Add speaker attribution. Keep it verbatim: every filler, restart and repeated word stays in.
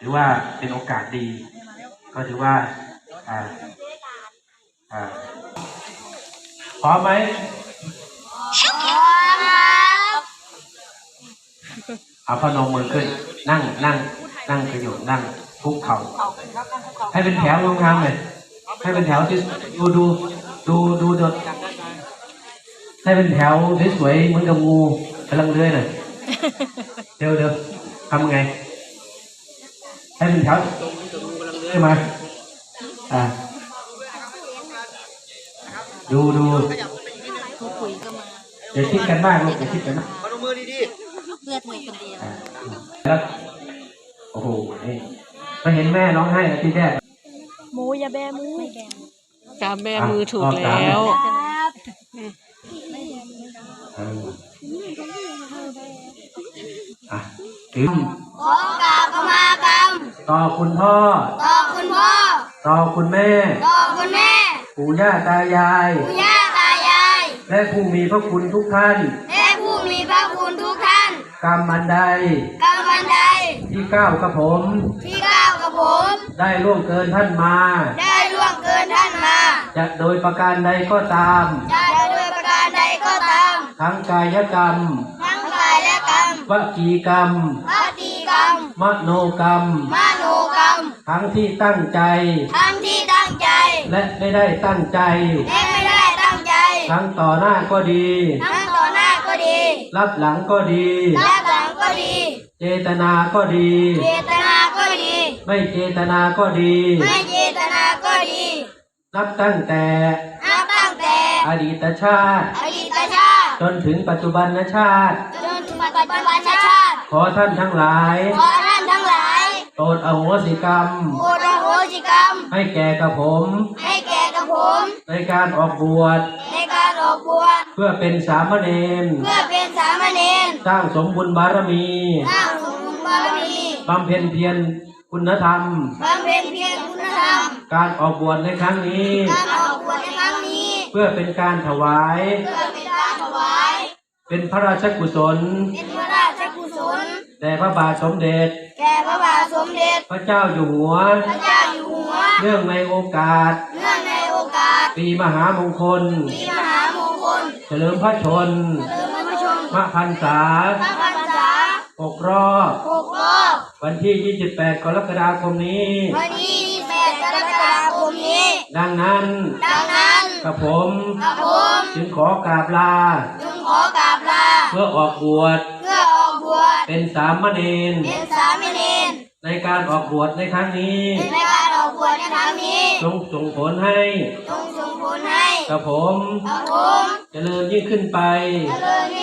Speaker 1: ถือว่าเป็นโอกาสดีก็ถือว่าอ่าอ่าพร้อมไหมเอาพนมมือขึ้นนั่งนั่งนั่งกระโยดนั่งคุกเข่าให้เป็นแถวงามๆเลยให้เป็นแถวที่ดูดูดูดูดูให้เป็นแถวสวยๆเหมือนกับงูกำลังเลื้อยหน่อยเดี๋ยวเดี๋ยวทำไงให้เป็นแถวใช่ไหมอ่าดูดูอย่าคิดกันมากลูกอย่าคิดกันมากพนมมือดีๆเพื่อมือคนเดียวแล้วโอ้โหนี่ไปเห็นแม่ร้องไห้ทีแรก
Speaker 2: หมูอย่าแบมือ
Speaker 3: กาแบมือถูกแล้ว
Speaker 1: อ่ะถึง
Speaker 4: ขอกราบขมากรรม
Speaker 1: ต่อคุณพ่อ
Speaker 4: ต่อคุณพ่อ
Speaker 1: ต่อคุณแม่
Speaker 4: ต่อคุณแม่
Speaker 1: ปู่ย่าตายาย
Speaker 4: ปู่ย่าตายาย
Speaker 1: และผู้มีพระคุณทุกท่าน
Speaker 4: และผู้มีพระคุณทุกท่าน
Speaker 1: กรรมอันใด
Speaker 4: กรรมอันใด
Speaker 1: ที่ก้าวกับผม
Speaker 4: ที่ก้าวกับผม
Speaker 1: ได้ล่วงเกินท่านมา
Speaker 4: ได้ล่วงเกินท่านมา
Speaker 1: จะโดยประการใดก็ตาม
Speaker 4: จะโดยประการใดก็ตาม
Speaker 1: ทั้งกายกรรม
Speaker 4: ทั้งกายและกรรม
Speaker 1: วจีกรรม
Speaker 4: วจีกรรม
Speaker 1: มโนกรรม
Speaker 4: มโนกรรม
Speaker 1: ทั้งที่ตั้งใจ
Speaker 4: ทั้งที่ตั้งใจ
Speaker 1: และไม่ได้ตั้งใจ
Speaker 4: และไม่ได้ตั้งใจ
Speaker 1: ทั้งต่อหน้าก็ดี
Speaker 4: ทั้งต่อหน้าก็ดี
Speaker 1: รับหลังก็ดี
Speaker 4: รับหลังก็ดี
Speaker 1: เจตนาก็ดี
Speaker 4: เจตนาก็ดี
Speaker 1: ไม่เจตนาก็ดี
Speaker 4: ไม่เจตนาก็ดี
Speaker 1: นับตั้งแต่
Speaker 4: นับตั้งแต่
Speaker 1: อดีตชาติ
Speaker 4: อดีตชาติ
Speaker 1: จนถึงปัจจุบันชาติ
Speaker 4: จนถึงปัจจุบันชาติ
Speaker 1: ขอท่านทั้งหลาย
Speaker 4: ขอท่านทั้งหลาย
Speaker 1: โปรดอโหสิกรรม
Speaker 4: โปรดอโหสิกรรม
Speaker 1: ให้แก่กับผม
Speaker 4: ให้แก่กับผม
Speaker 1: ในการออกบวช
Speaker 4: ในการออกบวช
Speaker 1: เพื่อเป็นสามเณร
Speaker 4: เพื่อเป็นสามเณร
Speaker 1: สร้างสมบุญบารมี
Speaker 4: สร้างสมบุญบารมี
Speaker 1: บำเพ็ญเพียรคุณธรรม
Speaker 4: บำเพ็ญเพียรคุณธรรม
Speaker 1: การออกบวชในครั้งนี้
Speaker 4: การออกบวชในครั้งนี้
Speaker 1: เพื่อเป็นการถวาย
Speaker 4: เพื่อเป็นการถวาย
Speaker 1: เป็นพระราชกุศล
Speaker 4: เป็นพระราชกุศล
Speaker 1: แด่พระบาทสมเด็จ
Speaker 4: แก่พระบาทสมเด็จ
Speaker 1: พระเจ้าอยู่หัว
Speaker 4: พระเจ้าอยู่หัว
Speaker 1: เนื่องในโอกาส
Speaker 4: เนื่องในโอกาส
Speaker 1: ปีมหามงคล
Speaker 4: ปีมหามงคล
Speaker 1: เฉลิมพระชน
Speaker 4: เฉลิมพระชน
Speaker 1: มพรรษา
Speaker 4: พระพรรษา
Speaker 1: หกรอบ
Speaker 4: หกรอบ
Speaker 1: วันที่ยี่สิบแปดกรกฎาคมนี้
Speaker 4: วันที่ยี่สิบแปดกรกฎาคมนี้
Speaker 1: ดังนั้น
Speaker 4: ดังนั้น
Speaker 1: กับผม
Speaker 4: กับผม
Speaker 1: จึงขอกราบลา
Speaker 4: จึงขอกราบลา
Speaker 1: เพื่อออกบวช
Speaker 4: เพื่อออกบวช
Speaker 1: เป็นสามเณร
Speaker 4: เป็นสามเณร
Speaker 1: ในการออกบวชในครั้งนี้
Speaker 4: ในการออกบวชในครั้งนี้
Speaker 1: จงส่งผลให้
Speaker 4: จงส่งผลให้
Speaker 1: กับผม
Speaker 4: กับผม
Speaker 1: เจริญยิ่งขึ้นไป
Speaker 4: เจริญยิ่ง